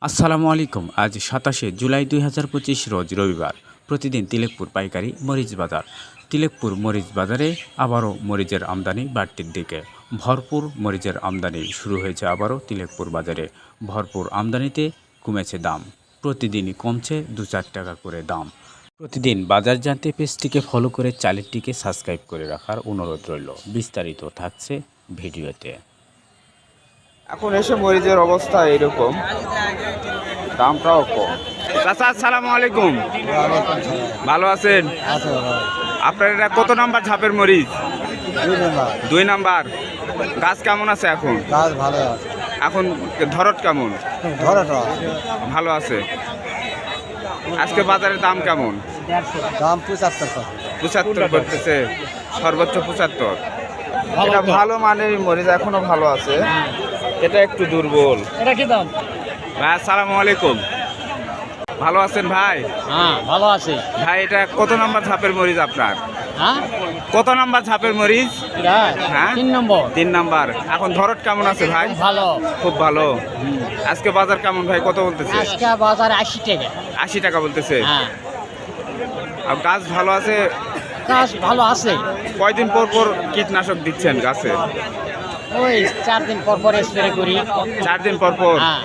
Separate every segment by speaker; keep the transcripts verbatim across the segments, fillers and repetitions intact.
Speaker 1: আসসালামু আলাইকুম। আজ সাতাশে জুলাই দুই হাজার পঁচিশ রোজ রবিবার। প্রতিদিন তিলেকপুর পাইকারি মরিচ বাজার। তিলেকপুর মরিচ বাজারে আবারও মরিচের আমদানি বাড়তির দিকে। ভরপুর মরিচের আমদানি শুরু হয়েছে আবারও তিলেকপুর বাজারে। ভরপুর আমদানিতে কমেছে দাম, প্রতিদিনই কমছে দু চার টাকা করে দাম। প্রতিদিন বাজার জানতে পেজটিকে ফলো করে চ্যানেলটিকে সাবস্ক্রাইব করে রাখার অনুরোধ রইল। বিস্তারিত থাকছে ভিডিওতে।
Speaker 2: এখন এসে মরিচের অবস্থা এরকম, দামটাও কম। চাচা আসসালামু আলাইকুম, ভালো আছেন? আপনার এটা কত নাম্বার ঝাপের মরিচ? দুই নাম্বার। গাছ কেমন আছে এখন?
Speaker 3: গাছ ভালো আছে।
Speaker 2: এখন ধরট কেমন?
Speaker 3: ধরট
Speaker 2: ভালো আছে। আজকে বাজারের দাম কেমন?
Speaker 3: দাম পঁচাত্তর
Speaker 2: পঁচাত্তর করতেছে, সর্বোচ্চ পঁচাত্তর। এটা ভালো মানের মরিচ, এখনো ভালো আছে, এটা একটু দুর্বল।
Speaker 3: এটা কি দাম?
Speaker 2: ভাই আসসালামু আলাইকুম, ভালো আছেন ভাই?
Speaker 3: হ্যাঁ ভালো আছে
Speaker 2: ভাই এটা কত নাম্বার ঝাপের মরিচ আপনার?
Speaker 3: হ্যাঁ
Speaker 2: কত নাম্বার ঝাপের মরিচ? হ্যাঁ
Speaker 3: তিন নম্বর।
Speaker 2: তিন নাম্বার। এখন ধরট কেমন আছে ভাই?
Speaker 3: ভালো,
Speaker 2: খুব ভালো। আজকে বাজার কেমন ভাই, কত বলতেছে?
Speaker 3: আজকে বাজার আশি টাকা।
Speaker 2: আশি টাকা বলতেছে।
Speaker 3: হ্যাঁ
Speaker 2: আর গাছ ভালো আছে?
Speaker 3: গাছ ভালো আছে।
Speaker 2: কয়দিন পর পর কীটনাশক দিচ্ছেন গাছে?
Speaker 3: ওই চার দিন পর পর স্প্রে করি।
Speaker 2: চার দিন পর পর।
Speaker 3: হ্যাঁ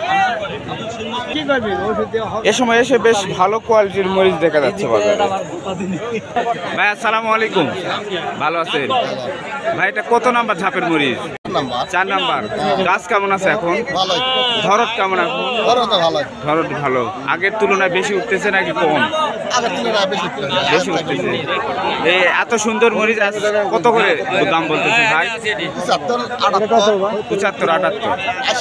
Speaker 2: এ সময় এসে বেশ ভালো কোয়ালিটির মরিচ দেখা যাচ্ছে বাজারে। ভাই আসসালামু আলাইকুম, ভালো আছেন? ভাই এটা কত নাম্বার ঝাপের মরিচ? চার নাম্বার। গাছ কেমন আছে এখন? ধরত কেমন এখন? ধরত ভালো। আগের তুলনায় বেশি উঠতেছে নাকি কম? বেশি উঠতেছে। এই এত সুন্দর মরিচ আজ কত করে দাম বলতেছে ভাই? পঁচাত্তর আটাত্তর।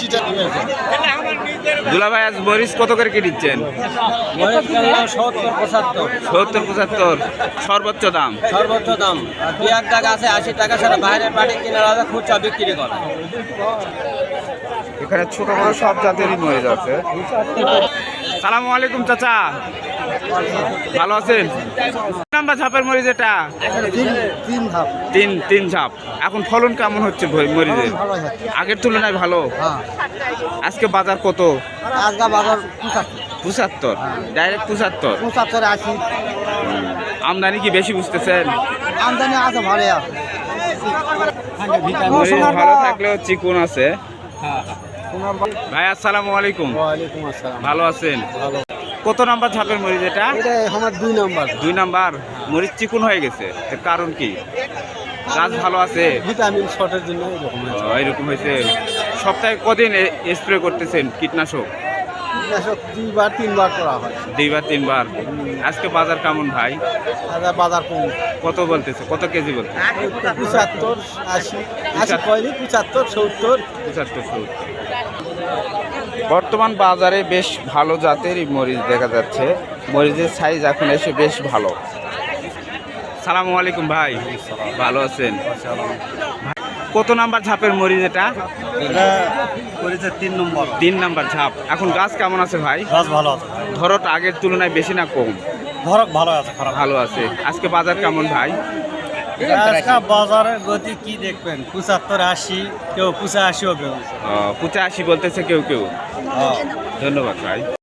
Speaker 2: দুলা ভাই আজ মরিচ কত করে কি দিচ্ছেন?
Speaker 3: সত্তর পঁচাত্তর।
Speaker 2: সত্তর পঁচাত্তর সর্বোচ্চ দাম।
Speaker 3: সর্বোচ্চ দাম। দুই এক টাকা আছে, আশি টাকা ছাড়া বাইরের বাড়ি কিনে আলাদা খুচরা বিক্রি করে।
Speaker 2: এখানে ছোট বড় সব জাতেরই মরিচ আছে। সালামু আলাইকুম চাচা, ভালো আছেন? নাম্বার ঝাপের মরিচ এটা?
Speaker 3: তিন ধাপ।
Speaker 2: তিন তিন ঝাপ। এখন ফলন কেমন হচ্ছে মরিচের? আগের তুলনায় ভালো। আজকে বাজার কত?
Speaker 3: আজকে বাজার পঁচাত্তর।
Speaker 2: পঁচাত্তর, ডাইরেক্ট পঁচাত্তর।
Speaker 3: পঁচাত্তর আশি।
Speaker 2: আমদানি কি বেশি বুঝতেছেন?
Speaker 3: আমদানি আছে ভালো আছে।
Speaker 2: মরিচ ভালো থাকলেও চিকুন আছে। ভাই আসসালামু আলাইকুম,
Speaker 3: ওয়ালাইকুম আসসালাম।
Speaker 2: ভালো আছেন? কত নাম্বার ঝাপের মরিচ এটা?
Speaker 3: এটা আমার দুই নাম্বার।
Speaker 2: দুই নাম্বার। মরিচ চিকুন হয়ে গেছে, এর কারণ কি? গাছ ভালো আছে,
Speaker 3: ভিটামিন শর্টের জন্য এরকম হয়েছে।
Speaker 2: ও, এরকম হয়েছে। সপ্তাহে কদিন স্প্রে করতেছেন কীটনাশক?
Speaker 3: কীটনাশক দুইবার তিনবার করা হয়।
Speaker 2: দুইবার তিনবার। আজকে বাজার কেমন ভাই?
Speaker 3: আচ্ছা বাজার কম।
Speaker 2: কত বলতেছে, কত কেজি বলতে?
Speaker 3: পঁচাত্তর আশি। আশি কয়লি পঁচাত্তর সত্তর।
Speaker 2: পঁচাত্তর সত্তর। বর্তমান বাজারে বেশ ভালো জাতেরই মরিচ দেখা যাচ্ছে। মরিচের সাইজ এখন এসে বেশ ভালো। সালামু আলাইকুম ভাই, ভালো আছেন? কত নাম্বার ঝাপের মরিচ এটা?
Speaker 3: তিন নম্বর।
Speaker 2: তিন নাম্বার ঝাপ। এখন গাছ কেমন আছে ভাই?
Speaker 3: গাছ ভালো আছে।
Speaker 2: ধরত আগের তুলনায় বেশি না কম?
Speaker 3: ধরক ভালো আছে, খারাপ
Speaker 2: ভালো আছে। আজকে বাজার কেমন ভাই?
Speaker 3: বাজারের গতি কি দেখবেন, পঁচাত্তর আশি, কেউ পঁচাশিও কেউ।
Speaker 2: পঁচাশি বলতেছে কেউ কেউ। ধন্যবাদ ভাই।